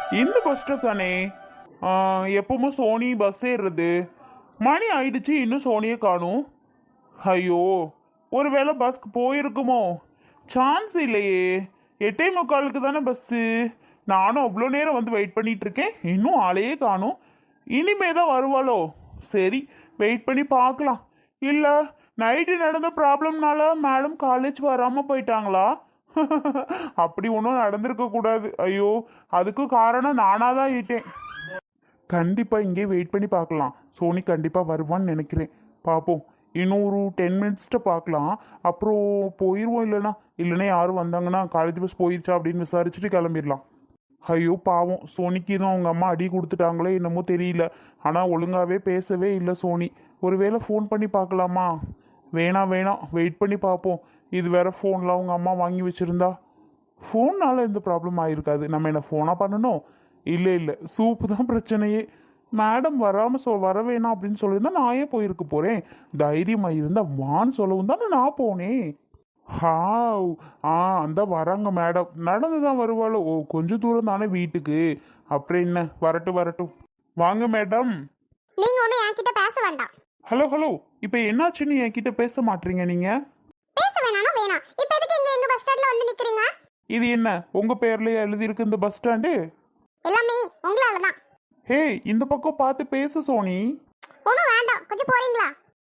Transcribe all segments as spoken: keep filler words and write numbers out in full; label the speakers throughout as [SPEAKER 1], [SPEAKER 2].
[SPEAKER 1] இந்த bus stop தானே? ஆ, எப்பவும் சோனி பஸ் ஏறுறது. மணி ஆயிடுச்சு, இன்னும் சோனியை காணும். ஐயோ, ஒருவேளை பஸ்க்கு போயிருக்குமோ? சான்ஸ் இல்லையே. எட்டே முக்காலுக்கு தானே பஸ்ஸு. நானும் அவ்வளோ நேரம் வந்து வெயிட் பண்ணிட்டு இருக்கேன், இன்னும் ஆளையே காணும். இனிமே தான் வருவாளோ? சரி, வெயிட் பண்ணி பார்க்கலாம். இல்லை, நைட்டு நடந்த ப்ராப்ளம்னால மேடம் காலேஜ் வராமல் போயிட்டாங்களா? அப்படி ஒன்றும் நடந்திருக்க கூடாது. ஐயோ, அதுக்கு காரணம் நானாக தான் ஈட்டேன். கண்டிப்பாக இங்கே வெயிட் பண்ணி பார்க்கலாம். சோனி கண்டிப்பாக வருவான்னு நினைக்கிறேன். பார்ப்போம். இன்னும் ஒரு டென் மினிட்ஸ்ட்டு பார்க்கலாம். அப்புறம் போயிடுவோம். இல்லைனா இல்லைன்னா யாரும் வந்தாங்கன்னா காலேஜ் பஸ் போயிடுச்சா அப்படின்னு விசாரிச்சுட்டு கிளம்பிடலாம். ஐயோ பாவம், சோனிக்கு தான் அவங்க அம்மா அடி கொடுத்துட்டாங்களே என்னமோ தெரியல. ஆனால் ஒழுங்காகவே பேசவே இல்லை சோனி. ஒருவேளை ஃபோன் பண்ணி பார்க்கலாமா? வேணாம் வேணாம், வெயிட் பண்ணி பார்ப்போம். இது வேற ஃபோனில் அவங்க அம்மா வாங்கி வச்சுருந்தா. ஃபோன்னால் எந்த ப்ராப்ளம் ஆகிருக்காது. நம்ம என்ன ஃபோனாக பண்ணணும்? இல்லை இல்லை, சூப்பு தான் பிரச்சனையே. மேடம் வராமல் சொ வர வேணாம் அப்படின்னு சொல்லியிருந்தா நான் ஏன் போயிருக்க போகிறேன்? தைரியமாக இருந்தால் வான்னு சொல்லவும் தானே நான் போனேன். ஹாவ், ஆ அந்த வராங்க மேடம். நடந்து தான் வருவாளோ? ஓ, கொஞ்சம் தூரம் தானே வீட்டுக்கு. அப்புறம் என்ன, வரட்டும் வரட்டும். வாங்க மேடம்.
[SPEAKER 2] நீங்க ஒண்ணு என்கிட்ட பேச வேண்டாம்.
[SPEAKER 1] ஹலோ ஹலோ, இப்போ என்னாச்சுன்னு என்கிட்ட பேச மாட்டீங்க நீங்கள்?
[SPEAKER 2] பேச வேணாம் வேணாம். இப்போ எதுக்கு இங்க எங்க பஸ் ஸ்டாண்ட்ல வந்து நிக்கிறீங்க?
[SPEAKER 1] இது என்ன உங்கள் பேர்லேயே எழுதியிருக்கு இந்த பஸ் ஸ்டாண்டு?
[SPEAKER 2] எல்லாமே உங்களால தான்.
[SPEAKER 1] ஹே, இந்த பக்கம் பார்த்து பேசு சோனி.
[SPEAKER 2] ஒன்றும் வேண்டாம், கொஞ்சம் போறீங்களா?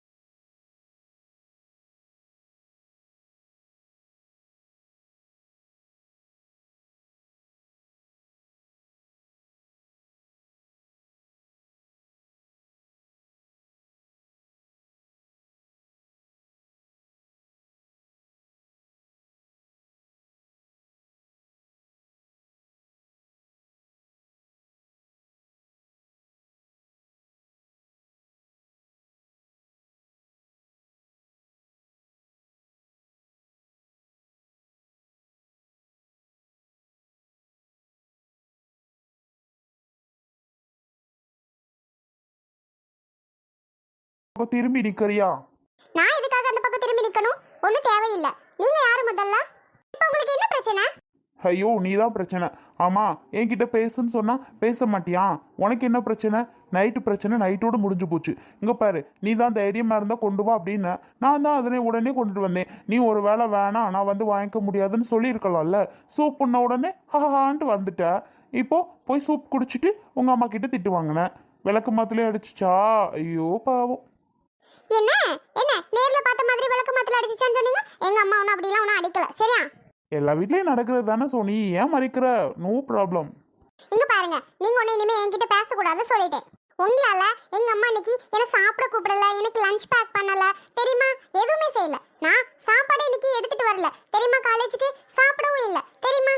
[SPEAKER 1] திரும்பி நிற்கிறியா?
[SPEAKER 2] நான் எதுக்காக அந்த பக்கம் திரும்பி நிக்கணும்? ஒன்றும் தேவையில்லை. நீங்க யாரு முதல்ல? இப்போ உங்களுக்கு என்ன பிரச்சனை?
[SPEAKER 1] ஐயோ, நீ தான் பிரச்சனை. ஆமாம், என்கிட்ட பேசுன்னு சொன்னால் பேச மாட்டியா? உனக்கு என்ன பிரச்சனை? நைட்டு பிரச்சனை நைட்டோடு முடிஞ்சு போச்சு. இங்கே பாரு, நீ தான் தைரியமாக இருந்தால் கொண்டு வா அப்படின்னு நான் தான் அதனை உடனே கொண்டுட்டு வந்தேன். நீ ஒரு வேளை வேணாம், நான் வந்து வாங்கிக்க முடியாதுன்னு சொல்லியிருக்கலாம்ல. சூப் பண்ண உடனே ஹஹான்ட்டு வந்துட்ட. இப்போ போய் சூப் குடிச்சிட்டு உங்கள் அம்மா கிட்ட திட்டு வாங்கினேன். விளக்கு மாத்துலேயே அடிச்சிச்சா? ஐயோ பாவம்.
[SPEAKER 2] என்ன என்ன நேர்ல பார்த்த மாதிரி விளக்கு மாத்தில அடிச்சிச்சான்னு சொன்னீங்க? எங்க அம்மா ஒன்றும் அப்படிலாம் ஒன்றும் அடிக்கல, சரியா?
[SPEAKER 1] எல்லா வீட்லேயும் நடக்கிறது தானே சோனி, ஏன் மறைக்கிற? No problem.
[SPEAKER 2] இங்க பாருங்க, நீங்க ஒண்ணு இனிமே என்கிட்ட பேசக்கூடாது சொல்லிட்டேன். உங்களால எங்க அம்மா இன்னைக்கு என்ன சாப்பிட கூப்பிடல, எனக்கு லஞ்ச் பேக் பண்ணல, தெரியுமா? எதுவுமே செய்யல. நான் சாப்பாடு இன்னைக்கு எடுத்துட்டு வரல, தெரியுமா? காலேஜுக்கு சாப்பிடவும் இல்லை, தெரியுமா?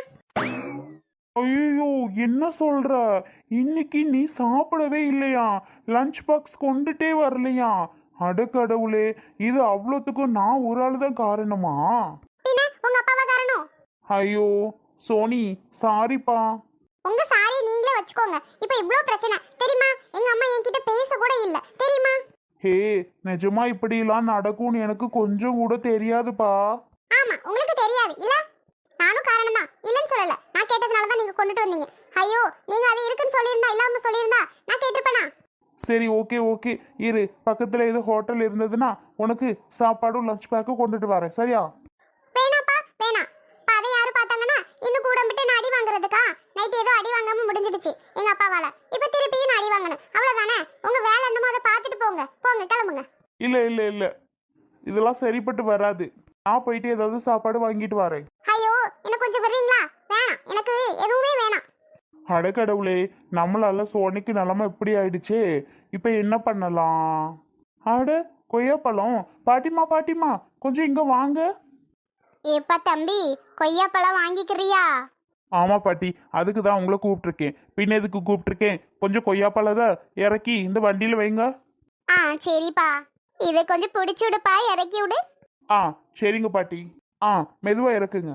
[SPEAKER 1] ஐயோ, என்ன சொல்ற? இன்னைக்கு நீ சாப்பிடவே இல்லையா? லஞ்ச் பாக்ஸ் கொண்டுட்டே வரலையா? அடக்கடவுளே, இது அவ்வளோத்துக்கும் நான் ஒரு ஆள் தான் காரணமா?
[SPEAKER 2] பின்ன உங்க அப்பாவா காரணம்?
[SPEAKER 1] ஐயோ சோனி, சாரிப்பா.
[SPEAKER 2] உங்க சாரி நீங்களே வச்சுக்கோங்க. இப்போ இவ்ளோ பிரச்சனை, தெரியுமா? எங்க அம்மா என்கிட்ட பேச கூட இல்ல, தெரியுமா?
[SPEAKER 1] ஹே, நிஜமா இப்படிலாம் நடக்கும்னு எனக்கு கொஞ்சம் கூட தெரியாதுப்பா.
[SPEAKER 2] ஆமா, உங்களுக்கு தெரியாது இல்ல? நானும் காரணம் தான், இல்லன்னு சொல்லல. நான் கேட்டதுனால தான் நீங்க கொண்டுட்டு வந்தீங்க. ஐயோ, நீங்க அது இருக்குன்னு சொல்லியிருந்தா, இல்லாம சொல்லியிருந்தா நான் கேட்டிருப்பேனா?
[SPEAKER 1] சரி, ஓகே ஓகே, இரு. பக்கத்தில் எது ஹோட்டல் இருந்ததுன்னா உனக்கு சாப்பாடும் லஞ்ச் பேக்கும் கொண்டுட்டு வரேன், சரியா?
[SPEAKER 2] வேணாப்பா வேணாம். அப்ப அதை யாரும் பார்த்தாங்கன்னா இன்னும் கூட விட்டு நான் அடி வாங்குறதுக்கா? நைட் ஏதோ அடி வாங்காம முடிஞ்சிடுச்சு எங்க அப்பாவால. இப்ப திருப்பியும் நான் அடி வாங்கணும், அவ்வளவுதானே? உங்க வேலை என்னமோ அதை பார்த்துட்டு போங்க, போங்க கிளம்புங்க.
[SPEAKER 1] இல்லை இல்லை இல்லை, இதெல்லாம் சரிப்பட்டு வராது. நான் போயிட்டு ஏதாவது சாப்பாடு வாங்கிட்டு வரேன்.
[SPEAKER 2] ஐயோ, எனக்கு கொஞ்சம் வர்றீங்களா? வேணாம், எனக்கு எதுவுமே வேணாம்.
[SPEAKER 1] அடக்கடவுளே, நம்மளால சோனிக்கு நிலமை இப்படி ஆயிடுச்சே. இப்போ என்ன பண்ணலாம்? அட கொய்யாப்பழம். பாட்டிமா பாட்டிமா, கொஞ்சம் இங்கே வாங்க.
[SPEAKER 2] எப்பா தம்பி, கொய்யாப்பழம் வாங்கிக்கிறியா?
[SPEAKER 1] ஆமாம் பாட்டி, அதுக்கு தான் உங்களை கூப்பிட்ருக்கேன். பின்ன எதுக்கு கூப்பிட்ருக்கேன்? கொஞ்சம் கொய்யாப்பழத்தை இறக்கி இந்த வண்டியில் வைங்க.
[SPEAKER 2] ஆ சரிப்பா, இதை கொஞ்சம் பிடிச்சி விடுப்பா, இறக்கி விடு.
[SPEAKER 1] ஆ சரிங்க பாட்டி. ஆ மெதுவாக இறக்குங்க.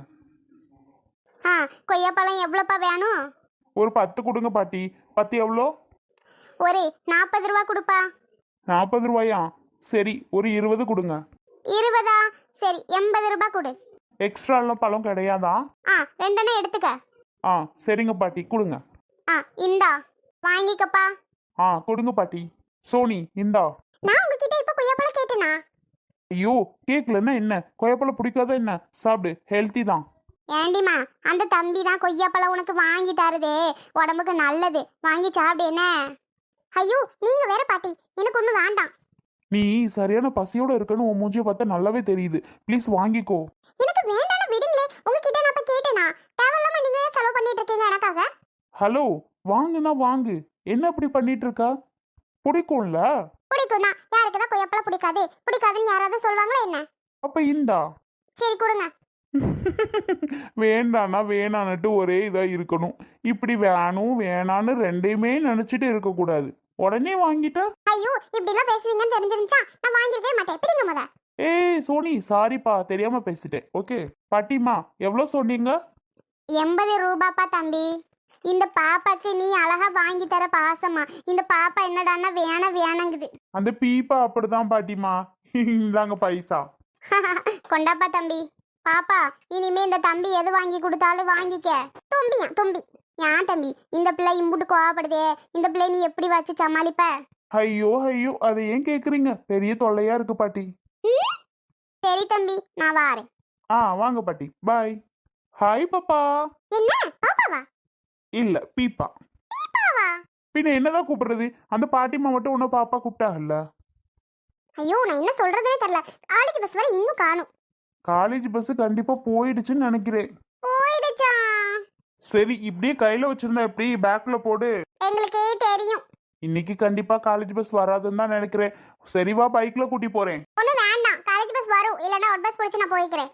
[SPEAKER 2] ஆ, கொய்யாப்பழம் எவ்வளோப்பா வேணும்?
[SPEAKER 1] ஒரு பத்து கொடுங்க பாட்டி. பத்து எவ்வளோ?
[SPEAKER 2] ஒரு நாற்பது ரூபா கொடுப்பா.
[SPEAKER 1] நாற்பது ரூபாயா? சரி, ஒரு இருபது கொடுங்க.
[SPEAKER 2] இருபதா? சரி, எண்பது ரூபா கொடு.
[SPEAKER 1] எக்ஸ்ட்ரா எல்லாம் பழம் கிடையாதா?
[SPEAKER 2] ஆ, ரெண்டெண்ணம் எடுத்துக்க.
[SPEAKER 1] ஆ சரிங்க பாட்டி, கொடுங்க.
[SPEAKER 2] ஆ இந்தா வாங்கிக்கப்பா.
[SPEAKER 1] ஆ கொடுங்க பாட்டி. சோனி இந்தா.
[SPEAKER 2] நான் உங்ககிட்ட இப்ப கொய்யாப்பழம் கேட்டேனா?
[SPEAKER 1] ஐயோ கேக்கலன்னா என்ன, கொய்யாப்பழம் பிடிக்காத என்ன, சாப்பிடு, ஹெல்த்தி தான்.
[SPEAKER 2] ஏண்டிமா அந்த தம்பி தான் கொய்யாப்பழம் உனக்கு வாங்கி தருதே, உடம்புக்கு நல்லது, வாங்கி சாப்பிடு என்ன. ஐயோ நீங்க வேற பாட்டி, எனக்கு ஒண்ணு வேண்டாம்.
[SPEAKER 1] நீ சரியான பசியோட இருக்கன்னு உன் மூஞ்சிய பார்த்தா நல்லாவே தெரியுது. ப்ளீஸ் வாங்கிக்கோ.
[SPEAKER 2] எனக்கு வேண்டாம்னு விடுங்களே, உங்ககிட்ட நான் இப்ப கேட்டேனா? தேவையில்லாம நீங்க ஏன் செலவு பண்ணிட்டு இருக்கீங்க எனக்காக?
[SPEAKER 1] ஹலோ, வாங்குனா வாங்கு, என்ன அப்படி பண்ணிட்டு இருக்கா? பிடிக்கும்ல?
[SPEAKER 2] பிடிக்கும்னா யாருக்கு தான் கொய்யாப்பழம் பிடிக்காது? பிடிக்காதுன்னு யாராவது சொல்லுவாங்களா என்ன?
[SPEAKER 1] அப்ப இந்தா.
[SPEAKER 2] சரி கொடுங்க.
[SPEAKER 1] வேண்டானா வேணான்னுட்டு ஒரே இதா இருக்கணும். இப்படி வேணும் வேணான்னு ரெண்டையுமே நினைச்சிட்டு இருக்க கூடாது. உடனே வாங்கிட்டா?
[SPEAKER 2] ஐயோ இப்படி எல்லாம் பேசுவீங்கன்னு தெரிஞ்சிருந்தா நான் வாங்கிருக்கவே மாட்டேன். பிடிங்க முத.
[SPEAKER 1] ஏய் சோனி, சாரிப்பா, தெரியாம பேசிட்டேன். ஓகே பாட்டிமா, எவ்வளோ சொன்னீங்க?
[SPEAKER 2] எண்பது ரூபாப்பா தம்பி. இந்த பாப்பாக்கு நீ அழகா வாங்கி தர பாசமா, இந்த பாப்பா என்னடான்னா வேண வேணங்குது.
[SPEAKER 1] அந்த பீப்பா அப்படிதான் பாட்டிமா. இந்தாங்க பைசா.
[SPEAKER 2] கொண்டாப்பா தம்பி. பாப்பா இனிமே இந்த தம்பி எது வாங்கி கொடுத்தாலும் வாங்கிக்க. தும்பியா தும்பி. ஏன் தம்பி இந்த பிள்ளை இம்புட்டு கோவப்படுதே, இந்த பிள்ளை நீ எப்படி வச்சு சமாளிப்ப?
[SPEAKER 1] ஐயோ ஐயோ, அதை ஏன் கேக்குறீங்க? பெரிய தொல்லையா இருக்கு பாட்டி.
[SPEAKER 2] சரி தம்பி நான் வாரேன்.
[SPEAKER 1] ஆ வாங்க பாட்டி, பாய். ஹாய் பாப்பா.
[SPEAKER 2] என்ன பாப்பாவா?
[SPEAKER 1] இல்ல பீப்பா.
[SPEAKER 2] பாப்பாவா?
[SPEAKER 1] பின்ன என்னதான் கூப்பிடுறது? அந்த பாட்டிமா மட்டும் உன்ன பாப்பா கூப்பிட்டாங்கல்ல.
[SPEAKER 2] ஐயோ நான் என்ன சொல்றதே தெரியல. காலேஜ் பஸ் வரை இன்னும் காணும்.
[SPEAKER 1] காலேஜ் பஸ் கண்டிப்பா போயிடுச்சுன்னு நினைக்கிறேன்.
[SPEAKER 2] போயிடுச்சா?
[SPEAKER 1] சரி, இப்படியே கையில வச்சிருந்தா எப்படி? பேக்ல போடு.
[SPEAKER 2] எங்களுக்கே தெரியும்.
[SPEAKER 1] இன்னைக்கு கண்டிப்பா காலேஜ் பஸ் வராதுன்னு தான் நினைக்கிறேன். சரிவா, பைக்ல கூட்டி போறேன்.
[SPEAKER 2] ஒண்ணு வேண்டாம், காலேஜ் பஸ் வரும், இல்லனா ஒரு பஸ் பிடிச்சு நான் போய்க்கிறேன்.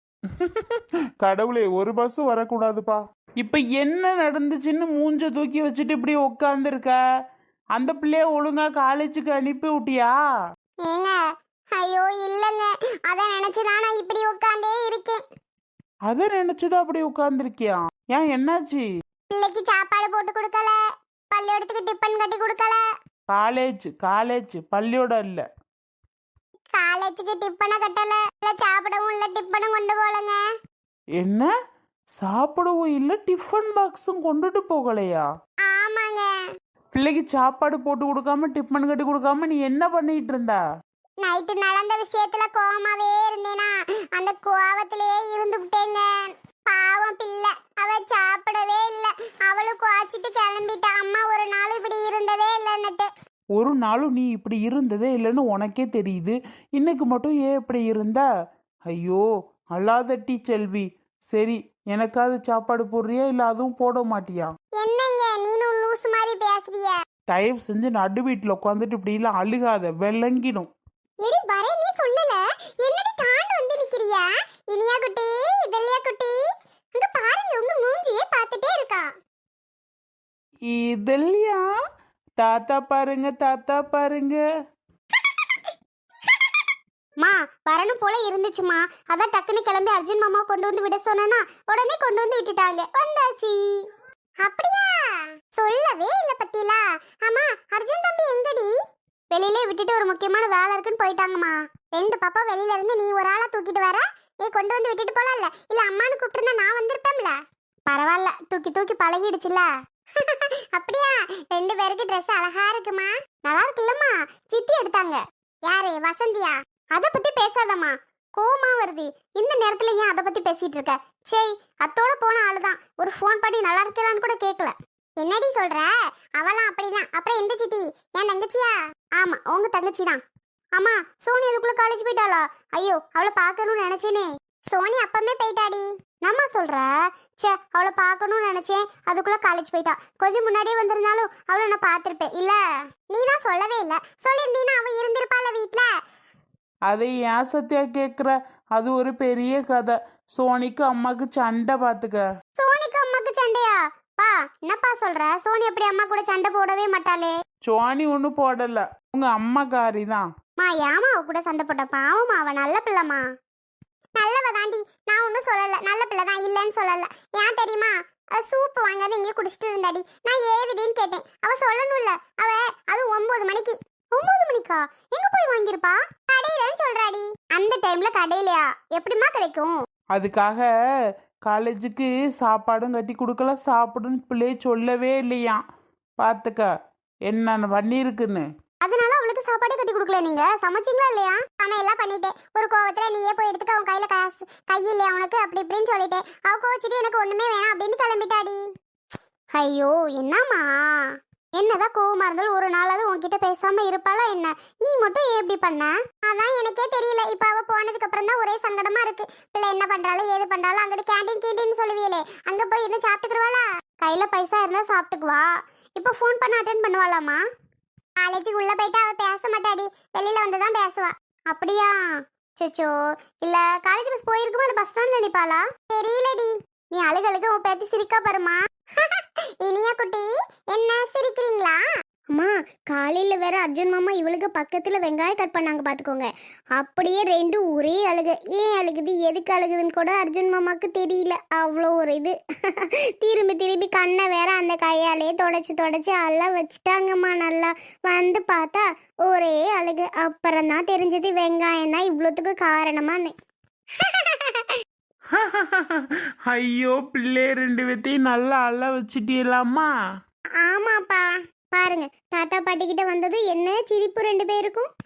[SPEAKER 1] கடவுளே, ஒரு பஸ் வரக்கூடாதுப்பா. இப்ப என்ன நடந்துச்சுன்னு மூஞ்ச தூக்கி வச்சுட்டு இப்படி உட்காந்துருக்க? அந்த பிள்ளைய ஒழுங்கா காலேஜுக்கு அனுப்பி விட்டியா?
[SPEAKER 2] ஏங்க ஐயோ இல்லங்க, அத நினைச்சுதான் நான் இப்படி உட்கார்ந்தே இருக்கேன்.
[SPEAKER 1] அத நினைச்சுதான் அப்படி உட்கார்ந்துருக்கியா? ஏன் என்னாச்சு?
[SPEAKER 2] பிள்ளைக்கு சாப்பாடு போட்டு கொடுக்கல, பள்ளியோடத்துக்கு டிபன் கட்டி கொடுக்கல.
[SPEAKER 1] காலேஜ் காலேஜ் பள்ளியோட இல்ல.
[SPEAKER 2] காலேஜுக்கு டிப்பனை கட்டல, இல்ல சாப்பிடவும் இல்ல, டிப்பனும் கொண்டு போலங்க.
[SPEAKER 1] என்ன? சாப்பிடவும் இல்ல, டிஃபன் பாக்ஸும் கொண்டுட்டு போகலையா?
[SPEAKER 2] ஆமாங்க.
[SPEAKER 1] பிள்ளைக்கு சாப்பாடு போட்டு கொடுக்காம டிஃபன் கட்டி கொடுக்காம நீ என்ன பண்ணிட்டு இருந்தா?
[SPEAKER 2] நைட்டு நடந்த விஷயத்துல கோவமாவே இருந்தேனா, அந்த கோவத்திலேயே இருந்து விட்டேங்க. பாவம் பிள்ளை, அவ சாப்பிடவே இல்ல, அவளும் குவாச்சிட்டு கிளம்பிட்டா. அம்மா ஒரு நாள் இப்படி இருந்ததே இல்லைன்னுட்டு.
[SPEAKER 1] ஒரு நாளும் நீ இப்படி இருந்ததே இல்லைன்னு உனக்கே தெரியுது, இன்னைக்கு மட்டும் ஏன் இப்படி இருந்தா? ஐயோ அல்லாதட்டி செல்வி. சரி, எனக்காவது சாப்பாடு போடுறியா இல்ல அதுவும் போட மாட்டியா?
[SPEAKER 2] என்னங்க நீனும் லூஸ் மாதிரி பேசுறிய?
[SPEAKER 1] தயவு செஞ்சு நடு வீட்டுல உட்காந்துட்டு இப்படி எல்லாம் அழுகாத, விளங்கிடும்.
[SPEAKER 2] எடி வரே, நீ சொல்லல, என்னடி தாண்டு வந்து நிக்கிறியா? இனியா குட்டி, இதழியா குட்டி, அங்க பாருங்க, உங்க மூஞ்சியே பார்த்துட்டே இருக்கா.
[SPEAKER 1] இதெல்லையா? தாத்தா பாருங்க, தாத்தா பாருங்க.
[SPEAKER 2] மா வரணும் போல இருந்துச்சுமா, அதான் டக்குன்னு கிளம்பி அர்ஜுன் மாமா கொண்டு வந்து விட சொன்னா உடனே கொண்டு வந்து விட்டுட்டாங்க. வந்தாச்சு. அப்படியா? சொல்லவே இல்ல பத்திலா. ஆமா அர்ஜுன் தம்பி எங்கடி? வெளியிலே விட்டுட்டு ஒரு முக்கியமான வேலை இருக்குன்னு போயிட்டாங்கம்மா. ரெண்டு பாப்பா வெளியில இருந்து நீ ஒரு ஆளா தூக்கிட்டு வர, நீ கொண்டு வந்து விட்டுட்டு போலாம்ல, இல்ல அம்மானு கூப்பிட்டுருந்தா நான் வந்திருப்பேன்ல. பரவாயில்ல, தூக்கி தூக்கி பழகிடுச்சுல. அப்படியா? ரெண்டு பேருக்கு ட்ரெஸ் அழகா இருக்குமா. நல்லா இருக்குல்லம்மா. சித்தி எடுத்தாங்க. யாரு? வசந்தியா? அத பத்தி பேசாதம்மா, கோவமா வருது. இந்த நேரத்துல ஏன் அத பத்தி பேசிட்டு இருக்க? சரி, அத்தோட போன ஆளுதான், ஒரு ஃபோன் பண்ணி நல்லா இருக்கலான்னு கூட கேட்கல. என்னடி சொல்ற? அவளாம் அப்படிதான். அப்புறம் எந்த சித்தி? என் தங்கச்சியா? ஆமா உங்க தங்கச்சி தான். ஆமா சோனி அதுக்குள்ள காலேஜ் போயிட்டாளா? ஐயோ அவளை பார்க்கணும்னு நினைச்சேனே. சோனி அப்பமே போயிட்டாடி. நம்ம சொல்ற? சே, அவளை பார்க்கணும்னு நினைச்சேன், அதுக்குள்ள காலேஜ் போயிட்டா. கொஞ்சம் முன்னாடியே வந்திருந்தாலும் அவளை நான் பார்த்திருப்பேன் இல்ல. நீ தான் சொல்லவே இல்ல, சொல்லியிருந்தீன்னா அவ இருந்திருப்பாள வீட்டுல.
[SPEAKER 1] அதை ஏன் சத்தியா கேக்குற? அது ஒரு பெரிய கதை. சோனிக்கு அம்மாக்கு சண்டை பாத்துக்க.
[SPEAKER 2] சோனிக்கு அம்மாக்கு சண்டையா? பா என்னப்பா சொல்ற? சோனி அப்படி அம்மா கூட சண்டை போடவே மாட்டாளே.
[SPEAKER 1] சோனி ஒண்ணு போடல, உங்க அம்மாக்காரி தான்.
[SPEAKER 2] மா ஏமா அவ கூட சண்டை போட்ட? பாவமா, அவ நல்ல பிள்ளைமா. நல்லவ தாண்டி, நான் ஒன்னும் சொல்லல, நல்ல பிள்ளை தான், இல்லன்னு சொல்லல. ஏன் தெரியுமா? சூப்பு வாங்காத இங்கே குடிச்சிட்டு இருந்தாடி. நான் ஏதுடின்னு கேட்டேன், அவ சொல்லணும்ல. அவ அது ஒன்பது மணிக்கு. ஒன்பது மணிக்கா? எங்க போய் வாங்கிருப்பா? கடையிலன்னு சொல்றாடி. அந்த டைம்ல கடையிலயா? எப்படிமா கிடைக்கும்?
[SPEAKER 1] அதுக்காக காலேஜுக்கு சாப்பாடும் கட்டி கொடுக்கல சாப்பிடுன்னு பிள்ளைய சொல்லவே இல்லையா. பார்த்துக்க என்ன பண்ணியிருக்குன்னு.
[SPEAKER 2] அதனால அவளுக்கு சாப்பாடே கட்டி கொடுக்கல. நீங்க சமைச்சிங்களா இல்லையா? ஆனா எல்லாம் பண்ணிட்டேன். ஒரு கோவத்துல நீயே போய் எடுத்துக்க, அவன் கையில காசு கை இல்லையா உனக்கு அப்படி இப்படின்னு சொல்லிட்டேன். அவ கோச்சிட்டு எனக்கு ஒண்ணுமே வேணாம் அப்படின்னு கிளம்பிட்டாடி. ஐயோ என்னம்மா, என்னதான் கோவமா இருந்தாலும் ஒரு நாளாவது உன்கிட்ட பேசாம இருப்பாளா என்ன? நீ மட்டும் ஏன் இப்படி பண்ண? அதான் எனக்கே தெரியல. இப்ப அவ போனதுக்கு அப்புறம் தான் ஒரே சங்கடமா இருக்கு. பிள்ளை என்ன பண்றாலும் ஏது பண்றாலும் அங்கிட்டு கேண்டீன் கேண்டீன் சொல்லுவீங்களே, அங்க போய் இருந்து சாப்பிட்டுக்குருவாளா? கையில பைசா இருந்தா சாப்பிட்டுக்குவா. இப்ப ஃபோன் பண்ண அட்டென்ட் பண்ணுவாளாமா? காலேஜுக்கு உள்ள போயிட்டு அவ பேச மாட்டாடி, வெளியில வந்துதான் பேசுவா. அப்படியா? சச்சோ, இல்ல காலேஜ் பஸ் போயிருக்குமா இல்ல பஸ் ஸ்டாண்ட்ல நிப்பாளா? தெரியலடி. நீ அழுகழுக உன் பேத்தி சிரிக்கா பாருமா. இனியா குட்டி, என்ன சிரிக்கிறீங்களா? அம்மா, காலையில வேற அர்ஜுன் மாமா இவளுக்கு பக்கத்துல வெங்காயம் கட் பண்ணாங்க பாத்துக்கோங்க. அப்படியே ரெண்டும் ஒரே அழுக. ஏன் அழுகுது எதுக்கு அழுகுதுன்னு கூட அர்ஜுன் மாமாக்கு தெரியல. அவ்வளோ ஒரு இது. திரும்பி திரும்பி கண்ணை வேற அந்த கையாலே தொடச்சு தொடச்சு அள்ள வச்சுட்டாங்கம்மா. நல்லா வந்து பார்த்தா ஒரே அழுகு. அப்புறம் தான் தெரிஞ்சது வெங்காயம் தான் இவ்வளோத்துக்கு காரணமான்னு.
[SPEAKER 1] ஐயோ பிள்ளை ரெண்டு பேத்தையும் நல்லா அள்ள வச்சுட்டீங்களாம்மா.
[SPEAKER 2] ஆமாப்பா, பாருங்க தாத்தா பாட்டி கிட்ட வந்தது என்ன சிரிப்பு ரெண்டு பேருக்கும்.